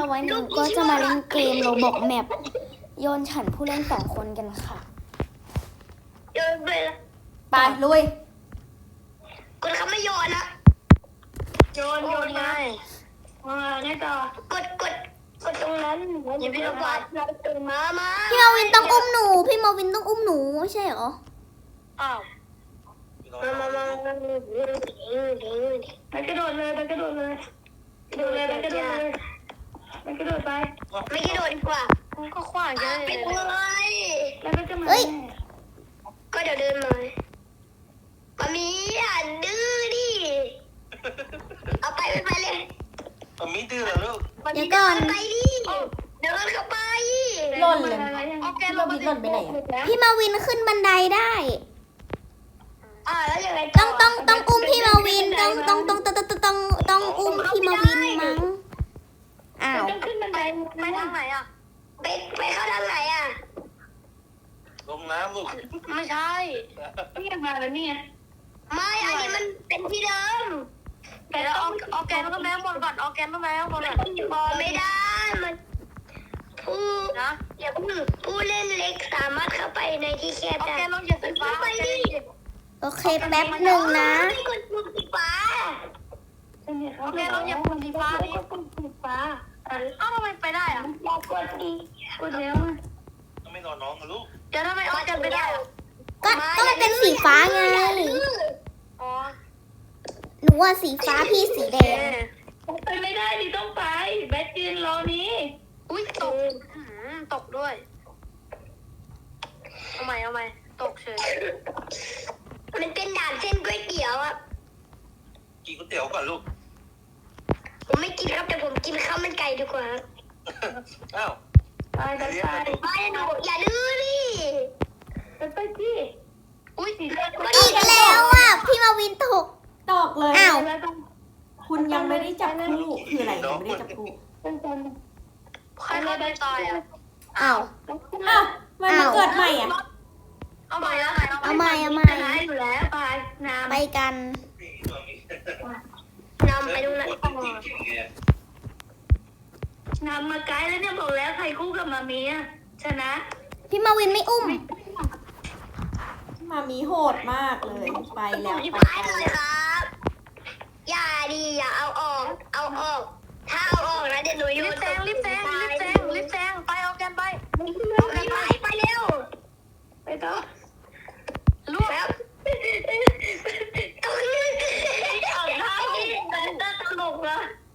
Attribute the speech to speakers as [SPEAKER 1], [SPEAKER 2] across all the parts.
[SPEAKER 1] วันนี้ก็จะมาเล่นเกมโรบอกแมปโยนฉันผู้เล่น2 คนกันค่ะ
[SPEAKER 2] โยนไปละ
[SPEAKER 1] ไปลุย
[SPEAKER 2] กดคำไม่โยนนะโยนนะแน่ต่อกดตรงนั้นอย่าไปกดเราตื่นมา
[SPEAKER 1] พี่มาวินต้องอุ้มหนูพี่มาวินต้องอุ้มหนูไม่ใช่เหรอ
[SPEAKER 2] อ้าวมาไปกระโดดเลยไปไปกระโดดไปไม่กระโดดดีกว่าก็ขวางกันไปเลยแล้วก็จะมาก็เดี๋ยวเดินมามีอ่ะดื้อดิเอาไปเลย
[SPEAKER 3] มีดื้อเหรอลูก
[SPEAKER 1] เดี๋ยวก่อน
[SPEAKER 2] ไปดิเดินเข้าไป
[SPEAKER 1] หล่นเลย
[SPEAKER 2] โอเค
[SPEAKER 1] พี่มาวินหล่นไปไหนพี่มาวินขึ้นบันไดได้
[SPEAKER 2] แล้วยังไง
[SPEAKER 1] ต้องอุ้มพี่มาวินต้องอุ้มพี่มาวินมั้งอ้าว
[SPEAKER 2] ต้องขึ้นบันไดไปทางไหนอ่ะไปเข้าทางไหนอ่ะ
[SPEAKER 3] ลงน้ำลูก
[SPEAKER 2] ไม่ใช่นี่มาแล้วนี่ไม่อันนี้มันเป็นที่เดิมแต่เราเอาแกนต้องแม่บนก่อนเอาแกนต้องแม่บนก่อนบอไม่ได้มันผู้เล่นเล็กสามารถเข้าไปในที่แคบได้เอาแกนลงอย่าสีฟ้าไปดิ
[SPEAKER 1] โอเคแป๊บหนึ่งนะ
[SPEAKER 2] ไม่กดปุ่มสีฟ้าโอเคเราอย่าปุ่มสีฟ้าดิกดปุ่มสีฟ้าอ้าวทำไมไปได้อ่ะอยากกดดีกดแล้ว
[SPEAKER 3] ต้องไม่นอนน้องนะลูก
[SPEAKER 2] เดี๋ยวทำไมเอาแกนไปได้อ่ะ
[SPEAKER 1] ก็มันเป็นสีฟ้าไง
[SPEAKER 2] อ๋อ
[SPEAKER 1] หนูว่าสีฟ้าพี่สีแดง
[SPEAKER 2] ไปไม่ได้ดิต้องไปแบทยืนรอนี้อุ้ยตกด้วยเอาใหม่ตกเฉยมันเป็นด่านเส้นก๋วยเตี๋ยวอ่ะ
[SPEAKER 3] กินก๋วยเตี๋ยวก่อนลูก
[SPEAKER 2] ผมไม่กินครับแต่ผมกินข้าวมันไก่ดีกว่า
[SPEAKER 3] อ้าว
[SPEAKER 2] ไปหนูอย่าดื้อดิไปดิอุ้ยสีแดง
[SPEAKER 1] อีกแล้วอ่ะพี่มาวินตก
[SPEAKER 4] ตอกเลย
[SPEAKER 1] อ้าว
[SPEAKER 4] คุณยังไม่ได้จับคู่คืออะไรยังไม่ได้จับคู่
[SPEAKER 2] ใครไม่ได้ตายอ่ะ
[SPEAKER 1] อ้าว
[SPEAKER 4] อ้าวมันมาเกิดใหม่อ่ะ
[SPEAKER 2] เอาใหม่
[SPEAKER 1] เอาใหม่
[SPEAKER 2] อยู่แล้วไปน้
[SPEAKER 1] ไปกัน
[SPEAKER 2] ำไปตรงนั้นน้ำมาไกลแล้วเนี่ยบอกแล้วใครคู่กับมามีอ่ะชนะ
[SPEAKER 1] พี่มาวินไม่อุ้ม
[SPEAKER 4] มามีโหดมากเลยไปแล้ว
[SPEAKER 2] ที่
[SPEAKER 4] ไป
[SPEAKER 2] พายเลยครับอย่าเอาออกถ้าเอาออกนะเดี๋ยวหนูรีบแซงไปเอาแกนไปไปเร็วไปต่อลูกแล้วเอาท่าที่น่าตลกนะ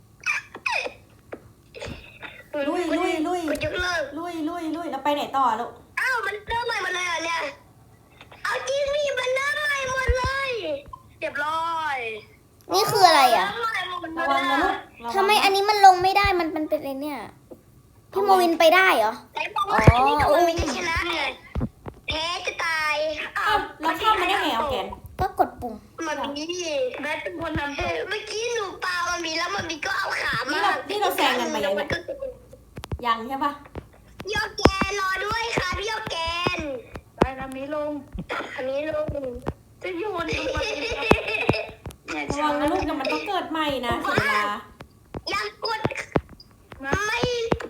[SPEAKER 4] ลุย
[SPEAKER 2] ยกเลิก
[SPEAKER 4] ลุยแล้วไปไหนต่อลูก
[SPEAKER 2] อ้าวมันเริ่มใหม่หมดเลยเหรอเนี่ยเอาจริงนี่มันเริ่มใหม่หมดเลยเรียบร้อย
[SPEAKER 1] นี่คืออะไรอ่ะ
[SPEAKER 4] ระวังนะลูกระวัง
[SPEAKER 1] ทำไมอันนี้มันลงไม่ได้มันเป็นอะไรเนี่ย พี่มาวินไปได้เหรอ
[SPEAKER 2] แต่บอกว่าอันนี้ก็ไม่ได้ชนะไงแพ้จะตาย
[SPEAKER 4] อ้าวแล้วเข้ามาได้ไงเอาแกน
[SPEAKER 1] ก็กดปุ่ม
[SPEAKER 2] มันมีแบทเป็นคนนำเมื่อกี้หนูปามันมีแล้วมันมีก็เอาขามา
[SPEAKER 4] นี่เราแซงกันไปยังเนี่ยยังใช่ปะ
[SPEAKER 2] พี่โอแกนรอด้วยค่ะพี่โอแกนไปทำนี้ลงจะโยนลงมา
[SPEAKER 4] ระวังนะลูกแต่มันต้องเกิดใหม่นะเสียเวลา
[SPEAKER 2] อยากกดไม่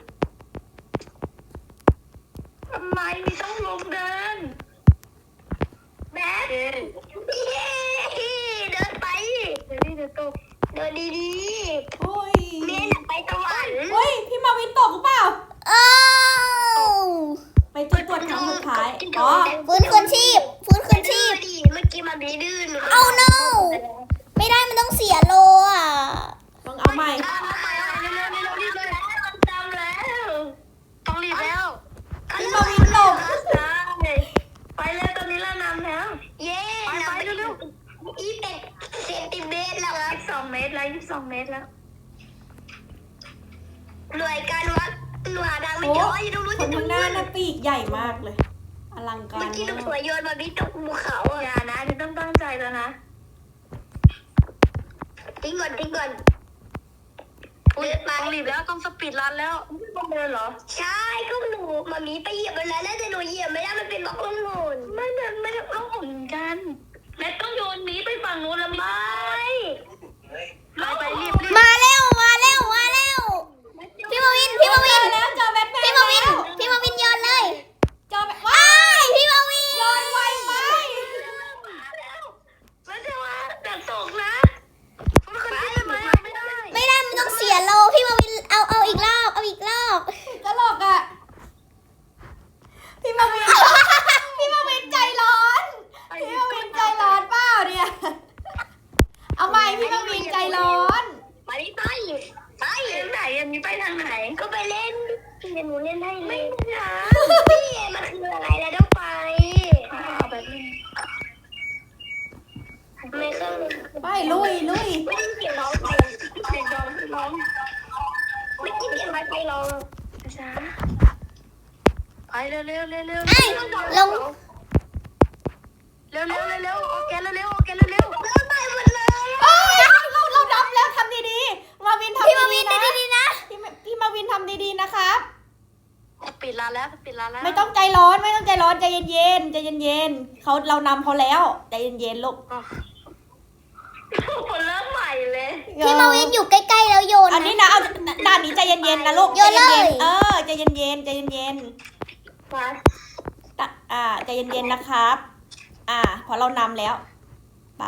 [SPEAKER 2] ทำไมมีต้องลงเดินแบทเดินไปเดี๋ยวตกเดินดี
[SPEAKER 4] โอ้ย
[SPEAKER 2] ๆเมนไปสวรรค์
[SPEAKER 4] เฮ้ยพี่มาวินตกหรือเปล่า
[SPEAKER 1] อ้าว
[SPEAKER 4] ไปจุดตรวจครั้งสุดท้ายอ๋อ
[SPEAKER 1] ฟื้นคืนชีพ เ
[SPEAKER 2] มื่อกี้มันมีดื้อหนู
[SPEAKER 1] เอา no ไม่ได้มันต้องเสียโลอ่ะ
[SPEAKER 4] ต้องเอาใหม่
[SPEAKER 2] เร็วรีบเลยมันจำแล้วต้องรีบแล้ว
[SPEAKER 4] พี่มาวินตก
[SPEAKER 2] ไปเลยตอนนี้เรานำแล้วเย้ไปเร็ว21 เซนติเมตรแล้ว22 เมตรแล้วหน่วยการวัดหน่วยดังไม่
[SPEAKER 4] โอ้
[SPEAKER 2] เยอะอยู่ตรงนู้น
[SPEAKER 4] คนข้างหน้าน่ะปีกใหญ่มากเลย อลังการ
[SPEAKER 2] เมื่อกี้หนู
[SPEAKER 4] มาก
[SPEAKER 2] สวยโยนมาบิตกภูเขาอย่านะจะต้องตั้งใจแล้วนะทิ้งก่อนต้องรีบแล้วต้องสปีดรันแล้วต้องเดินเหรอใช่ก็หนูมามีไปเหยียบมันแล้วแต่หนูเหยียบไม่ได้มันเป็นบล็อกล่องหนไม่ได้ล่องหนกันแม่ต้องโยนหมีไปฝั่งนู้นแล้วไม่ไปรีบ
[SPEAKER 1] มาเร็ว พี่มาวิน
[SPEAKER 2] ไปทางไหนก็ไปเล่นเดี๋ยวหนูเล่นให้ไม่นะพี่มันคืออะไรแล้วต้องไปเอาแบบนี้ไม่เคย
[SPEAKER 4] ไปลุย
[SPEAKER 2] ไม่ได้เสียงร้องไปเสียงร้องไม่ได้เสียงไปร้องช้าไปเร็วลง
[SPEAKER 1] ไอ้ลง
[SPEAKER 2] เร็วโอเคเร็วไปหมดเลย
[SPEAKER 4] เอ้ยเราดับแล้วทำดีๆมาวินทำ
[SPEAKER 1] พี่มาวิ
[SPEAKER 4] ดี
[SPEAKER 1] น
[SPEAKER 4] ๆนะ
[SPEAKER 1] ดีๆนะ
[SPEAKER 4] พี่มาวินทำดีๆนะครับ
[SPEAKER 2] ปิดร้านแล้ว
[SPEAKER 4] ไม่ต้องใจร้อนใจเย็นเรานำเขาแล้วใจเย็นลูก
[SPEAKER 2] คนเริ่มใหม่เลย
[SPEAKER 1] พี่มาวินอยู่ใกล้ๆแล้วโยน
[SPEAKER 4] อันนี้นะเอาด่านนี้ใจเย็นๆนะลูก
[SPEAKER 1] โยนเลย
[SPEAKER 4] ใจเย็นใจเย็นๆนะครับพอเรานำแล้วไป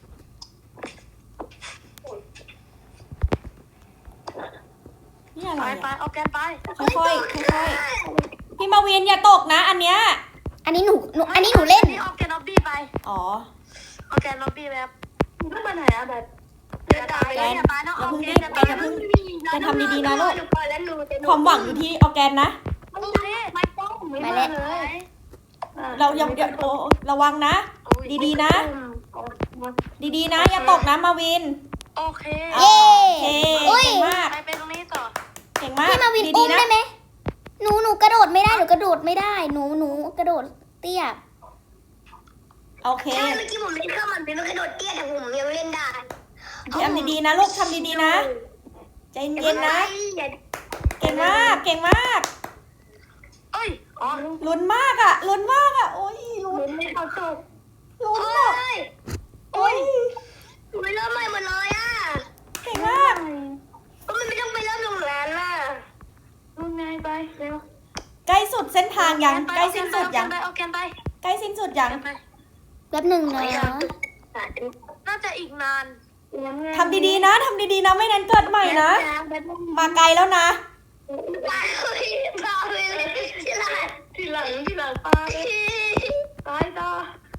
[SPEAKER 4] นี่อะไร
[SPEAKER 2] ไปเอาแกนไป
[SPEAKER 4] ค่อยๆพี่มาวินอย่าตกนะอันเนี้ย
[SPEAKER 1] อันนี้หนูเล่น
[SPEAKER 2] เอาแกนล็อบบี้ไป
[SPEAKER 4] อ๋อ
[SPEAKER 2] เอาแกนล็อบบี้แบบต้องไปไหนอะแบบเดินตามไปเลยไปน้องเอาแกนจะไปแล้ว
[SPEAKER 4] จะทำดีๆนะลูก
[SPEAKER 2] แล้วหนูจะ
[SPEAKER 4] ความหวังอยู่ที่ออร์แกนนะ
[SPEAKER 2] โอเคไม่ต้องไม่เลย
[SPEAKER 4] เราอย่าโอ้ระวังนะ ดีๆนะ ดีๆนะ อย่าตกนะมาวิน
[SPEAKER 2] โอเค
[SPEAKER 1] เย้
[SPEAKER 4] โอเค
[SPEAKER 1] อุ้ย
[SPEAKER 4] เก่งมาก
[SPEAKER 2] ไปเป็นตรงนี้ต่อ
[SPEAKER 4] เก่งมาก
[SPEAKER 1] พี่มาวิน
[SPEAKER 4] ดี
[SPEAKER 1] อุ้ม
[SPEAKER 4] ๆนะ
[SPEAKER 1] ได้ไหมหนูกระโดดไม่ได้หนูกระโดดไม่ได้หนูกระโดดเตี้ย
[SPEAKER 4] โอเค
[SPEAKER 2] ใช่เมื่อกี้ผมเล่นข้าวมันเป็นกระโดดเตี้ยแต่ผมยังเล่นได้
[SPEAKER 4] ทำดีๆนะลูกทำดีๆนะใจเย็นๆนะ เก่งมาก
[SPEAKER 2] เอ้ยอ๋อ
[SPEAKER 4] ลุ้นมากโอ้ยลุ้น
[SPEAKER 2] ไม่เข้าจบ
[SPEAKER 4] ลุ้น
[SPEAKER 2] โอ้
[SPEAKER 4] อะ
[SPEAKER 2] ย
[SPEAKER 4] โอ้ย
[SPEAKER 2] ไม่เริ่มใหม่หมดเลยอ่ะ
[SPEAKER 4] เก่งมาก
[SPEAKER 2] ก็มันไม่ต้องไปเริ่มตรงนั้นน่ะลงไงไปเร็ว
[SPEAKER 4] ใกล้สุดเส้นทางยังใกล้สิ้นสุดยัง
[SPEAKER 2] เอาแกนไป
[SPEAKER 4] ใกล้สิ้นสุดยัง
[SPEAKER 1] แป๊บหนึ่งนะ
[SPEAKER 2] น่าจะอีกนาน
[SPEAKER 4] ทำดีๆนะไม่นั้นเกิดใหม่นะ มาไกลแล้วนะ
[SPEAKER 2] ปาเลยทีหลังปาตายต่อ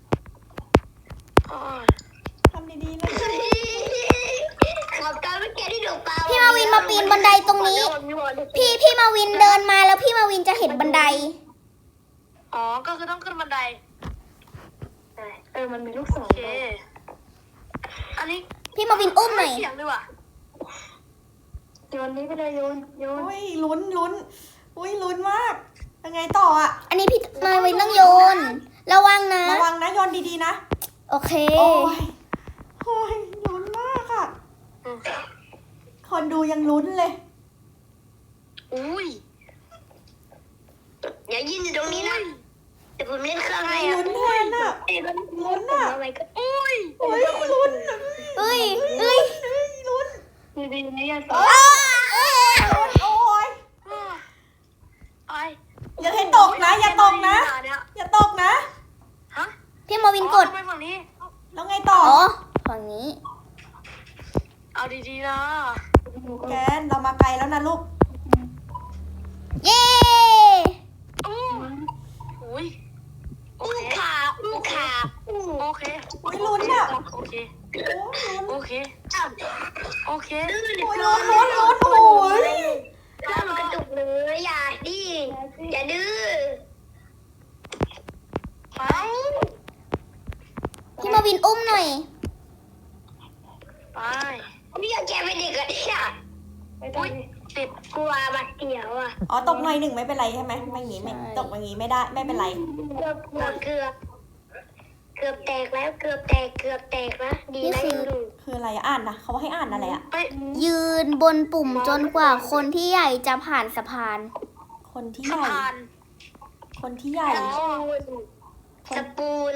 [SPEAKER 4] ทำดีๆนะ
[SPEAKER 2] ขอบการเมื่อกี้ที่หนูปา
[SPEAKER 1] พี่มาวินมาปีนบันไดตรงนี้ พี่มาวินเดินมาแล้วพี่มาวินจะเห็นบันได
[SPEAKER 2] อ๋อก็คือต้องขึ้นบันไดมันมีลูกศรโอเคอันนี้
[SPEAKER 1] พี่มาวินอุ้มหน่อย
[SPEAKER 2] เสียงดีว่ะโยนนี้ไปเลยโยน
[SPEAKER 4] โอ้ยลุ้นอุ้ยลุ้นมากยังไงต่ออ่ะ
[SPEAKER 1] อันนี้พี่มาวินต้องโยน ระวังนะ
[SPEAKER 4] ระวังนะโยนดีๆนะ
[SPEAKER 1] โอเค
[SPEAKER 4] โอ้ยลุ้นมากอ่ะคนดูยังลุ้นเลย
[SPEAKER 2] อุ้ยอย่ายืนอยู่ตรงนี้นะเดี๋ยวผมเล่นเครื่องให้
[SPEAKER 4] ลุ้นแทนอ่ะ
[SPEAKER 2] ลุ้นอ่ะอุ้ย
[SPEAKER 4] โอ้ยลุ้น
[SPEAKER 1] เอ้ย
[SPEAKER 4] ลุ้น
[SPEAKER 2] ดีๆนะอย่า
[SPEAKER 4] โอ้ย
[SPEAKER 2] ไป
[SPEAKER 4] อย่าให้ตกนะอย่าตกนะ
[SPEAKER 2] ฮะ
[SPEAKER 1] พี่มาวินกด
[SPEAKER 2] ไปฝั่งนี้
[SPEAKER 4] แล้วไงต่อ
[SPEAKER 1] อ๋อ ฝั่งนี้
[SPEAKER 2] เอาดีๆนะ
[SPEAKER 4] แกนเรามาไกลแล้วนะลูก
[SPEAKER 1] เย้
[SPEAKER 2] อุ้ยโอเคโอเค
[SPEAKER 4] โอ้ยลุ้นอ่ะ
[SPEAKER 2] โอเค
[SPEAKER 4] โอ้ยลุ้น
[SPEAKER 2] โอเคโอเค
[SPEAKER 4] โอ้ยลุ้นโอ้ย
[SPEAKER 2] ถ้ามันกระตุกเลยอย่าดิอย่าดื้อไป
[SPEAKER 1] พี่มาวินอุ้มหน่อย
[SPEAKER 2] ไปพี่อยากแกเป็นเด็กอะเนี่ยอุ้ยติดกลัวบัดเดียวอ่ะ
[SPEAKER 4] อ๋อตกหน่อยหนึ่งไม่เป็นไรใช่ไหมไม่งี้ไม่
[SPEAKER 1] ใช่
[SPEAKER 4] ตกอย่างงี้ไม่ได้ไม่เป็นไร
[SPEAKER 2] เกือบแตกแล้วเกือบแตกนะดีนะยังดู
[SPEAKER 4] คืออะไรอะอ่านนะเขาให้อ่านอะไรอะ
[SPEAKER 2] ไป
[SPEAKER 1] ยืนบนปุ่มจนกว่าคนที่ใหญ่จะผ่านสะพาน
[SPEAKER 4] คนที่
[SPEAKER 2] สะ
[SPEAKER 4] ใหญ่
[SPEAKER 2] พาน
[SPEAKER 4] คนที่ใหญ่
[SPEAKER 2] สปูน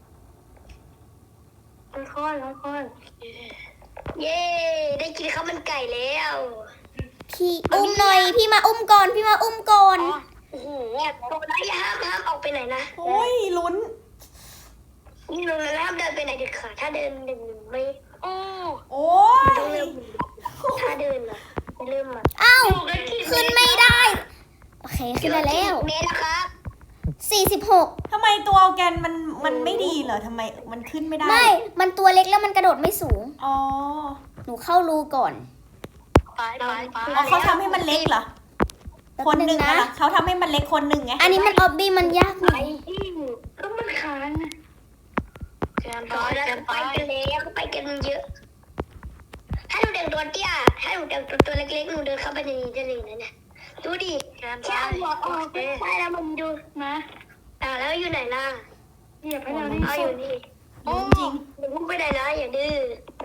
[SPEAKER 2] ค่อยเย้ได้กินข้าวมันไก่แล้ว
[SPEAKER 1] พี่อุ้มหน่อย พี่มาอุ้มก่อน พี่มาอุ้มก่อน
[SPEAKER 2] โอ้โหโดนแล้วอย่าห้ามออกไปไหนนะ
[SPEAKER 4] โอ้ยลุ้น
[SPEAKER 2] นี่ลงแล้วห้ามเดินไปไหนเด็ดขาดถ้าเดินไม่โอ้
[SPEAKER 4] โอ้
[SPEAKER 2] ต้อง
[SPEAKER 4] ย
[SPEAKER 2] เริ่มถ้าเดินอะเริ่มอะ
[SPEAKER 1] อ้าว ขึ้นไม่ได้ โอเค ขึ้นได้แล้ว
[SPEAKER 2] เมตรนะครับ
[SPEAKER 1] 46
[SPEAKER 4] ทำไมตัวออร์แกนมันไม่ดีเหรอทำไมมันขึ้นไม่ได้
[SPEAKER 1] ไม่ มันตัวเล็กแล้วมันกระโดดไม่สูง
[SPEAKER 4] อ๋อ
[SPEAKER 1] หนูเข้ารูก่อน
[SPEAKER 2] โ
[SPEAKER 4] อ๋อเขาทำให้มันเล็กเหรอ คนหนึ่ง
[SPEAKER 1] นะ
[SPEAKER 4] นะเขาทำให้มันเล็กคนหนึ่งไง
[SPEAKER 1] อันนี้มันออบบี้มันยากหน่
[SPEAKER 2] ไป
[SPEAKER 1] อย
[SPEAKER 2] ที่ก็มันค้างต่อแล้วไปกันแล้วไปกันเยอะ ถ้าหนูเดินตัวเตี้ยถ้าหนูเดินตัวเล็กๆหนูเดินเข้าไปในนี้ได้เลยนะเนี่ยดูดิแค่หัวออกไปแล้วมันดูนะแล้วอยู่ไหนล่ะเหยียบให้เราดิเอาอยู่นี่
[SPEAKER 4] จริง
[SPEAKER 2] หนูพุ่งไปไหนนะอย่าดื้อ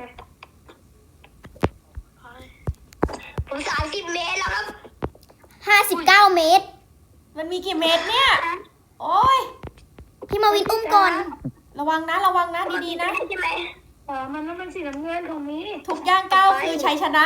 [SPEAKER 2] ผม30 เมตรแล้วครับ
[SPEAKER 1] 59 เมตร
[SPEAKER 4] มันมีกี่เมตรเนี่ย โอ้ย
[SPEAKER 1] พี่มาวินอุ้มก่อน
[SPEAKER 4] ระวังนะดีๆนะ
[SPEAKER 2] ใช่ไหม
[SPEAKER 5] มันต้องเป็นสีน้ำเงินของนี้
[SPEAKER 4] ทุกย่างก้าวคือชัยชนะ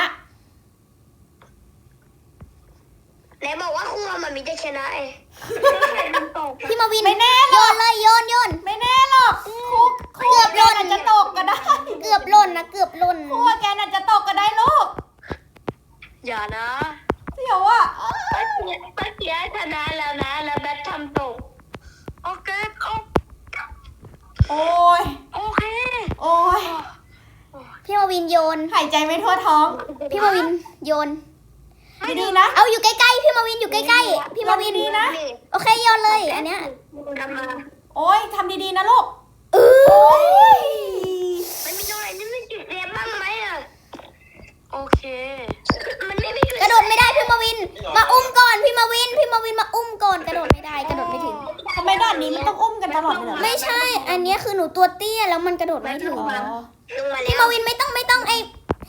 [SPEAKER 2] ไหนบอกว่าคู่มันมีจะชนะไอ้
[SPEAKER 5] มันตก
[SPEAKER 1] พี่มาวิน
[SPEAKER 4] ไม่แน่หร
[SPEAKER 1] โย
[SPEAKER 4] อก
[SPEAKER 1] นเลยโยน
[SPEAKER 4] ไม่แน่หรอกคู่
[SPEAKER 1] เกือบหล่น
[SPEAKER 4] แกอาจจะตกก็ได้
[SPEAKER 1] เกือบหล่นนะเกือบหล่น
[SPEAKER 4] คู่แกอาจจะตกก็ได้ลูก
[SPEAKER 2] อย่านะ
[SPEAKER 4] เดี๋ยวอ่ะ
[SPEAKER 2] เมื่อกี้ชนะแล้วนะแล้วแบททำตกโอเค
[SPEAKER 4] โอ้ย
[SPEAKER 2] โอเค
[SPEAKER 4] โอ้ย
[SPEAKER 1] พี่มาวินโยน
[SPEAKER 4] หายใจไม่ทั่วท้อง
[SPEAKER 1] พี่มาวินโยน
[SPEAKER 4] ดีๆนะ
[SPEAKER 1] เอาอยู่ใกล้ๆพี่มาวินอยู่ใกล้ๆพี่มาวิน
[SPEAKER 4] ดีนะ
[SPEAKER 1] โอเคโยนเลย อันเนี้ย
[SPEAKER 2] ทำมา
[SPEAKER 4] โอ้ยทำดีๆนะลูก
[SPEAKER 1] เออ
[SPEAKER 2] มันมีตรงไหนที่มันจุดเรียบบ้างไหมอ่ะโอเคมันไม่มี
[SPEAKER 1] กระโดดไม่ได้พี่มาวิน มาอุ้มก่อนพี่มาวินมาอุ้มก่อนกระโดดไม่ได้กระโดดไม่ถึง
[SPEAKER 4] ทำไมด่านนี้มันต้องอุ้มกันตลอดเลยเหรอ
[SPEAKER 1] ไม่ใช่ อันเนี้ยคือหนูตัวเตี้ยแล้วมันกระโดดไม่ถึง
[SPEAKER 4] อ๋อ
[SPEAKER 2] ลงมา
[SPEAKER 1] พี่
[SPEAKER 2] แล้ว
[SPEAKER 1] มาวินไม่ต้องไอ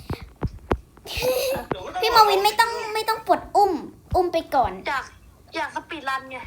[SPEAKER 1] พี่มาวินไม่ต้องปลดอุ้มไปก่อน
[SPEAKER 2] อยากสปีดรันไง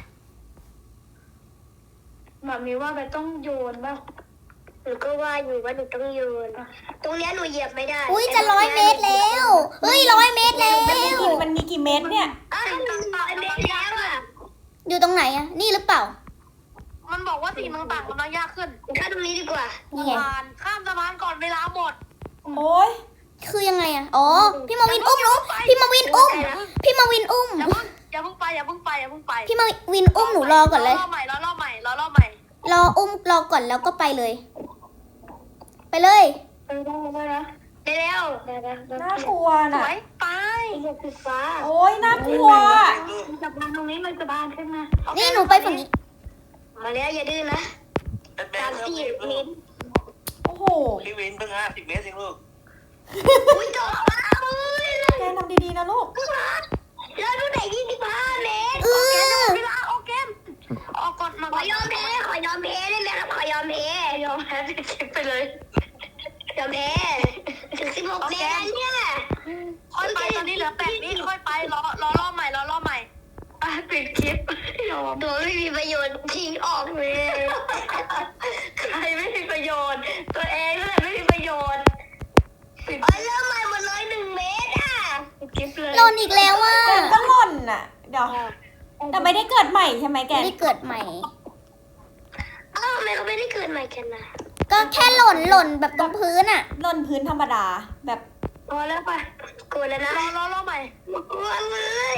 [SPEAKER 5] แบบนี้ว่าแบบต้องโยนป่ะ
[SPEAKER 2] หนูก็ว่าอยู่ว่าหนูต้องโยนตรงเนี้ยหนูเหยียบไม่ได้
[SPEAKER 1] อุ้ยจะ100 เมตรแล้วเฮ้ย100 เมตรแล้ว
[SPEAKER 4] มันมีกี่เม็ดเนี่ย
[SPEAKER 2] หนูต่อเมตรแล้วอ่ะ
[SPEAKER 1] อยู่ตรงไหนอะนี่หรือเปล่า
[SPEAKER 2] มันบอกว่าสิ่งต่างๆกำลังยากขึ้นข้ามตรงนี้ดีกว่า
[SPEAKER 1] นี่ไง
[SPEAKER 2] ข้ามสะพานก่อนเวลาหมด
[SPEAKER 4] โอ้ย
[SPEAKER 1] คือยังไงอะอ๋อ พี่มาวินอุ้มหนูพี่มาวินอุ้ม พี่มาวินอุ้ม
[SPEAKER 2] อย่าเพิ่งไป
[SPEAKER 1] พี่มาวินอุ้มหนูรอก่อนเลย
[SPEAKER 2] รอบใหม่
[SPEAKER 1] รออุ้มรอก่อนแล้วก็ไปเลย ไปเลย
[SPEAKER 5] ต้องลงมานะ
[SPEAKER 2] ได้แล้ว
[SPEAKER 4] น่ากลัว
[SPEAKER 2] ส
[SPEAKER 4] น่ะ
[SPEAKER 2] วยไป
[SPEAKER 5] เหยียบสีฟ้า
[SPEAKER 4] โอ้ยน่ากลัว
[SPEAKER 5] จับมันตรงนี้มันจะบานขึ้นมา
[SPEAKER 1] นี่หนูไปฝั่งนี้
[SPEAKER 2] มาแล้วอย่าดื้อนะ
[SPEAKER 3] แบทครับ
[SPEAKER 2] 30 เมตร
[SPEAKER 4] โอ้โห
[SPEAKER 3] พี่วินเพิ่ง50 เมตรเองลูก
[SPEAKER 2] อุ้ยจบแล้วเว้ย
[SPEAKER 4] แกทำดีๆนะลูก
[SPEAKER 2] แล้วดูไหน25 เมตร
[SPEAKER 1] เออ
[SPEAKER 2] เวลาออกเกมออกก่อนมาขอยอมแพ้ได้ไหมครับขอยอมแพ้ไปเลยยอมแพ้ถึง16 เมตรแล้วเนี่ยค่อยไปตอนนี้เหลือ8 วิค่อยไปรอรอบใหม่ปิดคลิปตัวไม่มีประโยชน์ทิ้งออกเลยใครไม่มีประโยชน์ตัวเองนั่นแหละไม่มีประโยชน์เริ่มใหม่หมดเลย1 เมตรอ่ะปิดคลิปเลย
[SPEAKER 1] หล่นอีกแล้วว่ะ
[SPEAKER 4] แกก็หล่นน่ะ เดี๋ยว แต่ไม่ได้เกิดใหม่ใช่ไหมแก
[SPEAKER 1] ไม่ได้เกิดใหม่
[SPEAKER 2] อ้าวทำไมเขาไม่ได้เกิดใหม่กันนะ
[SPEAKER 1] ก็แค่หล่นแบบตรงพื้นอะ
[SPEAKER 4] หล่นพื้นธรรมดา แบบ
[SPEAKER 2] พอแล้วป่ะกลัวแล้วนะรอใหม่กลัวเลย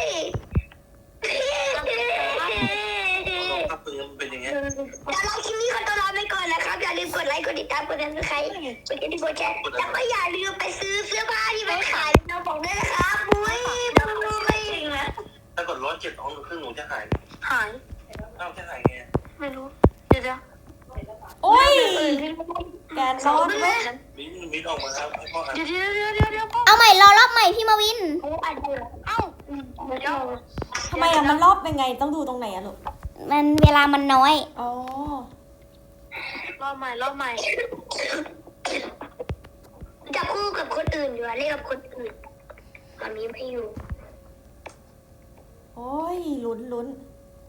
[SPEAKER 3] ถ้าปืนเป็นอย่างเงี้ย
[SPEAKER 2] เดี๋ยวเราคลิปนี้ขอตัวลาไปก่อนนะครับ อย่าลืมกดไลค์กดติดตามกดซับสไครต์กดกระดิ่งกดแชร์แล้วก็อย่าลืมไปซื้อเสื้อผ้าที่มันขายในเราบอกด้วยนะครับบุ้ยบุ้ย
[SPEAKER 3] ถ้ากด107องครึ่งหนูจะหาย
[SPEAKER 2] หาย
[SPEAKER 3] เอ้าจะหายไง
[SPEAKER 2] ไม่รู้เดี๋ยว
[SPEAKER 4] โอ้ย แกรอดไหม
[SPEAKER 3] มิ้นออกมาแล้วให้พ่ออ่าน
[SPEAKER 2] เดี๋ยวพ่อ
[SPEAKER 1] เอาใหม่รอรอบใหม่พี่มาวิน
[SPEAKER 2] เอ้าเดี๋ยว
[SPEAKER 4] ทำไมอะมันรอบยังไง ต้องดูตรงไหนอะลูก
[SPEAKER 1] มันเวลามันน้อย
[SPEAKER 4] อ๋อ
[SPEAKER 2] รอบใหม่จะคู่กับคนอื่นอยู่อะเล่นกับคนอื่นตอนนี้ไม่อยู่
[SPEAKER 4] โอ้ย ลุ้น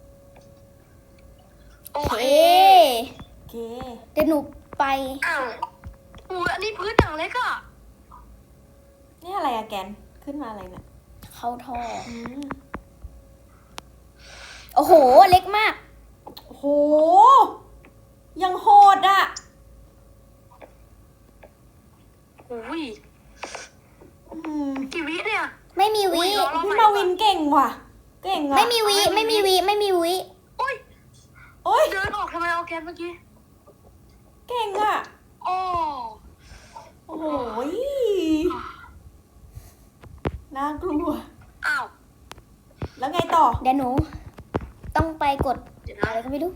[SPEAKER 2] โอ
[SPEAKER 1] โอ
[SPEAKER 2] เค
[SPEAKER 1] เค
[SPEAKER 4] โอเค
[SPEAKER 1] เดี๋ยวหนูไป
[SPEAKER 2] อ้าวอันนี้พื้นอย่างเล็กอ่ะ
[SPEAKER 4] นี่อะไรอะแกน ขึ้นมาอะไรเนี่ย
[SPEAKER 1] เข้าท่อ
[SPEAKER 4] อืม
[SPEAKER 1] โอ้โห เล็กมาก
[SPEAKER 4] โอ้โห ยังโหดอะ
[SPEAKER 2] อุ้ย
[SPEAKER 4] อืม
[SPEAKER 2] กี่วิเนี่ย
[SPEAKER 1] ไม่มีวิ
[SPEAKER 4] พี่มาวินเก่งว่ะ เก่งอะ
[SPEAKER 1] ไม่มีวิ ไม่มีวิ ไม่มีวิ
[SPEAKER 2] โอ้ย
[SPEAKER 4] โอ้ย
[SPEAKER 2] เดินออกทำไมเอาแกนเมื่อกี้
[SPEAKER 4] เก่งอะ
[SPEAKER 2] โอ้
[SPEAKER 4] โอ้โหน่ากลัว
[SPEAKER 2] อ้าว
[SPEAKER 4] แล้วไงต่อ
[SPEAKER 1] เดี๋ยวหนู ต้องไปกด
[SPEAKER 2] เดี๋ยว
[SPEAKER 1] อะ
[SPEAKER 2] นะ
[SPEAKER 1] ไรก็ไม่รู้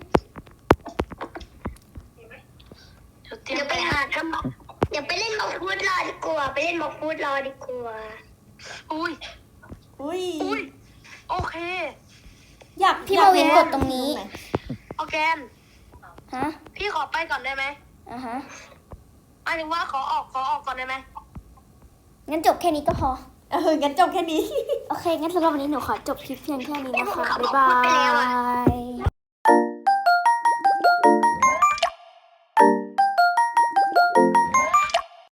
[SPEAKER 2] เดี๋ยวไปหาทำเดี๋ยวไปเล่นบอกฟูดรอดีกว่าไปเล่นบอกฟูดรอดีกว่าอุ้ย
[SPEAKER 4] อุ้ย
[SPEAKER 2] อุ้ยโอเค
[SPEAKER 4] อยาก
[SPEAKER 1] พี่มาวินกดตรงนี้
[SPEAKER 2] โอเค
[SPEAKER 1] ฮะ
[SPEAKER 2] พี่ขอไปก่อนได้ไหม
[SPEAKER 1] อ่ะฮะ
[SPEAKER 2] หมายถึงว่าขอออกก่อนได้ไหม
[SPEAKER 1] งั้นจบแค่นี้ก็พอ
[SPEAKER 4] งั้นจบแค่นี้
[SPEAKER 1] โอเค งั้นสำหรับวันนี้หนูขอจบคลิปเพียงแค่นี้นะคะ
[SPEAKER 2] เอ้ยผมขับ
[SPEAKER 1] บ๊ายบา
[SPEAKER 2] รถไปแล้วอะ
[SPEAKER 1] ย